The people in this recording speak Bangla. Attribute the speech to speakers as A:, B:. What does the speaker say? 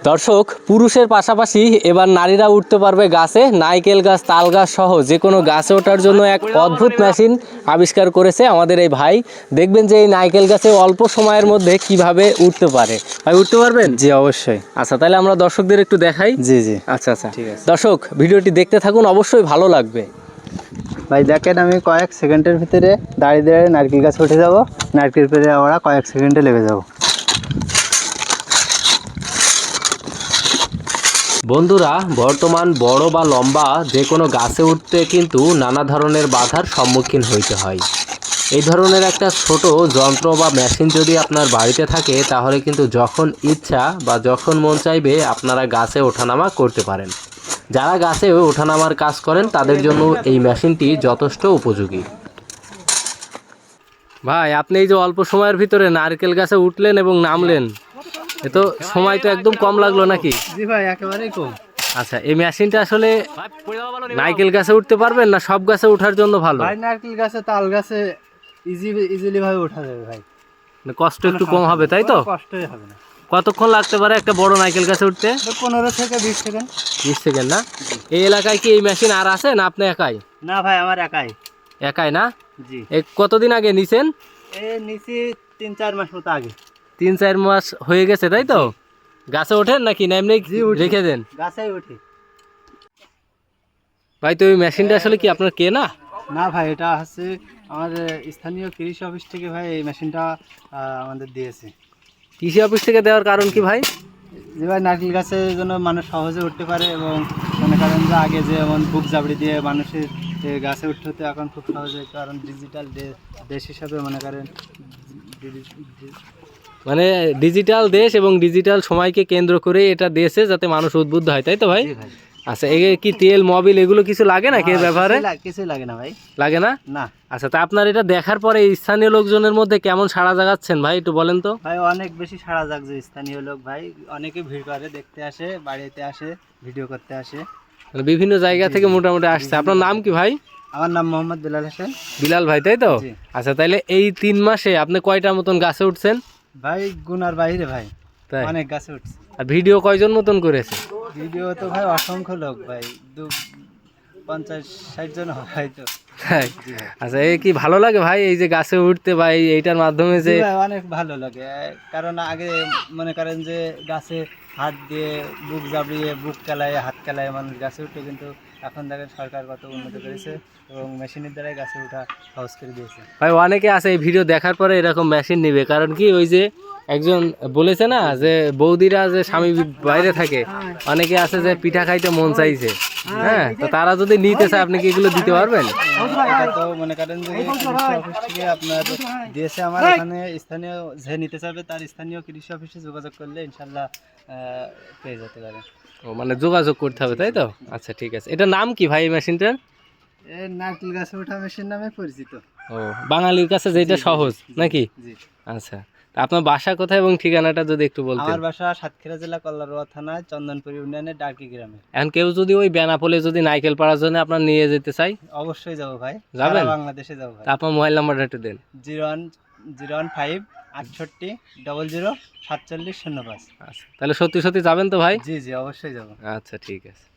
A: দর্শক, পুরুষের পাশাপাশি এবার নারীরা উঠতে পারবে গাছে। নারকেল গাছ, তাল গাছ সহ যে কোনো গাছে ওঠার জন্য এক অদ্ভুত মেশিন আবিষ্কার করেছে আমাদের এই ভাই। দেখবেন যে এই নারকেল গাছে অল্প সময়ের মধ্যে কিভাবে উঠতে পারে। ভাই, উঠতে পারবেন?
B: জি অবশ্যই।
A: আচ্ছা, তাহলে আমরা দর্শকদের একটু দেখাই।
B: জি জি
A: আচ্ছা আচ্ছা,
B: ঠিক আছে।
A: দর্শক ভিডিওটি দেখতে থাকুন, অবশ্যই ভালো লাগবে।
B: ভাই দেখেন, আমি কয়েক সেকেন্ডের ভিতরে দাঁড়িয়ে দাঁড়িয়ে নারকেল গাছে উঠে যাব। নারকেল পেরে আমরা কয়েক সেকেন্ডে লেগে যাব।
A: বন্ধুরা, বর্তমান বড় বা লম্বা যে কোনো গাছে উঠতে কিন্তু নানা ধরনের বাধার সম্মুখীন হইতে হয়। এই ধরনের একটা ছোট যন্ত্র বা মেশিন যদি আপনার বাড়িতে থাকে, তাহলে কিন্তু যখন ইচ্ছা বা যখন মন চাইবে আপনারা গাছে ওঠানামা করতে পারেন। যারা গাছে ওঠানামার কাজ করেন তাদের জন্য এই মেশিনটি যথেষ্ট উপযোগী। ভাই, আপনি এই যে অল্প সময়ের ভিতরে নারকেল গাছে উঠলেন এবং নামলেন, এ তো সময় তো একদম কম লাগলো নাকি?
B: জি ভাই, একেবারেই কম।
A: আচ্ছা, এই মেশিনটা আসলে নারকেল গাছে উঠতে পারবেন না সব গাছে ওঠার জন্য ভালো?
B: ভাই নারকেল গাছে, তাল গাছে ইজিলি ভাবে ওঠা যাবে ভাই।
A: কষ্ট একটু কম হবে, তাই তো?
B: কষ্টই হবে না।
A: কতক্ষণ লাগতে পারে একটা বড় নারকেল গাছে উঠতে?
B: 15 থেকে 20 সেকেন্ড।
A: 20 সেকেন্ড না? এই এলাকায় কি এই মেশিন আর আছে না আপনি একাই?
B: না ভাই, আমার একাই।
A: একাই না?
B: জি।
A: এই কতদিন আগে নিছেন?
B: নিচে 3-4 মাস মতো আগে।
A: 3-4 মাস হয়ে গেছে, তাই তো? গাছে ওঠেন নাকি না এমনি রেখে দেন?
B: গাছেই উঠি।
A: ভাই, তো এই মেশিনটা আসলে কি আপনার কেনা?
B: না ভাই, এটা হচ্ছে আমাদের স্থানীয় কৃষি অফিস থেকে ভাই এই মেশিনটা আমাদের দিয়েছে।
A: কৃষি অফিস থেকে দেওয়ার কারণ কি ভাই?
B: যে ভাই নারকেল গাছের জন্য মানুষ সহজে উঠতে পারে, এবং মনে করেন যে আগে যেমন বুক জাবড়ি দিয়ে মানুষের গাছে উঠতে হতো, এখন খুব সহজে, কারণ ডিজিটাল দেশ হিসাবে মনে করেন
A: মানে ডিজিটাল দেশ এবং ডিজিটাল সময়কে কেন্দ্র করে এটা দেশে যাতে মানুষ উদ্বুদ্ধ হয়, তাই তো ভাই?
B: ভাই।
A: আচ্ছা, এই কি তেল মোবিল এগুলো কিছু লাগে না কে ব্যবহারে?
B: কিছুই লাগে না ভাই।
A: লাগে না?
B: না
A: আচ্ছা, তা আপনার এটা দেখার পরে স্থানীয় লোকজনের মধ্যে কেমন সাড়া জাগাচ্ছেন ভাই, একটু বলেন তো?
B: ভাই, অনেক বেশি সাড়া জাগছে স্থানীয় লোক ভাই। অনেকে ভিড় করে, দেখতে আসে, বাড়িতে আসে, ভিডিও করতে আসে।
A: মানে বিভিন্ন জায়গা থেকে মোটামুটি আসছে। আপনার নাম কি ভাই?
B: আমার নাম মোহাম্মদ বিলাল হোসেন।
A: বিলাল ভাই, তাই তো?
B: জি।
A: আচ্ছা, তাইলে এই 3 মাসে আপনি কয়টা মতন গাছে উঠছেন?
B: ভাই গুনার বাইরে ভাই,
A: তাই?
B: অনেক গাছে উঠছে।
A: আর ভিডিও কয়জন মতন করেছে?
B: ভিডিও তো ভাই অসংখ্য লোক ভাই, 50-60 জন হয়তো।
A: তাই?
B: জি ভাই।
A: আচ্ছা, এই কি ভালো লাগে ভাই এই যে গাছে উঠতে বা এইটার মাধ্যমে যে?
B: জি ভাই, অনেক ভালো লাগে। কারণ আগে মনে করেন যে গাছে হাত দিয়ে বুক জাবড়িয়ে, বুক চালায়, হাত চালায় মানুষ গাছে উঠতো, কিন্তু এখন দেখেন সরকার কত উন্নত করেছে এবং মেশিনের দ্বারাই গাছে ওঠা সহজ করে দিয়েছে।
A: ভাই, অনেকে আছে এই ভিডিও দেখার পরে এরকম মেশিন নিবে, কারণ কি ওই যে একজন বলেছে না যে বৌদিরা যে স্বামী বাইরে থাকে, অনেকে আছে যে পিঠা খাইতে মন চাইছে, হ্যাঁ, তো তারা যদি নিতে চায় আপনি কি এগুলো দিতে পারবেন?
B: এটা তো মনে করেন যে কৃষি অফিস থেকে আপনার দিয়েছে। আমার এখানে স্থানীয় যে নিতে চাইবে তার স্থানীয় কৃষি অফিসে যোগাযোগ করলে ইনশাল্লাহ পেয়ে যেতে পারে।
A: ও, মানে যোগাযোগ করতে হবে, তাই তো? আচ্ছা, ঠিক আছে। এটার নাম কি ভাই এই মেশিনটার?
B: নারকেল গাছে ওঠা মেশিন নামে পরিচিত।
A: ও, বাঙালির কাছে যেটা সহজ নাকি?
B: জি।
A: আচ্ছা, তা আপনার বাসা কোথায় এবং ঠিকানাটা যদি একটু বলতেন?
B: আমার বাসা সাতক্ষীরা জেলা কল্লারোয়া থানা চন্দনপুর ইউনিয়নের ডাকি গ্রামে।
A: এখন কেউ যদি ওই বেনাপোলে যদি নারকেল পাড়ার জন্য আপনার নিয়ে যেতে চাই?
B: অবশ্যই যাবো ভাই,
A: যাবেন?
B: সারা বাংলাদেশে যাবো ভাই।
A: তা আপনার মোবাইল নাম্বারটা একটু দেন।
B: 01015 68 00 47 05।
A: আচ্ছা, তাহলে সত্যি সত্যি যাবেন তো ভাই?
B: জি জি, অবশ্যই যাবো।
A: আচ্ছা, ঠিক আছে।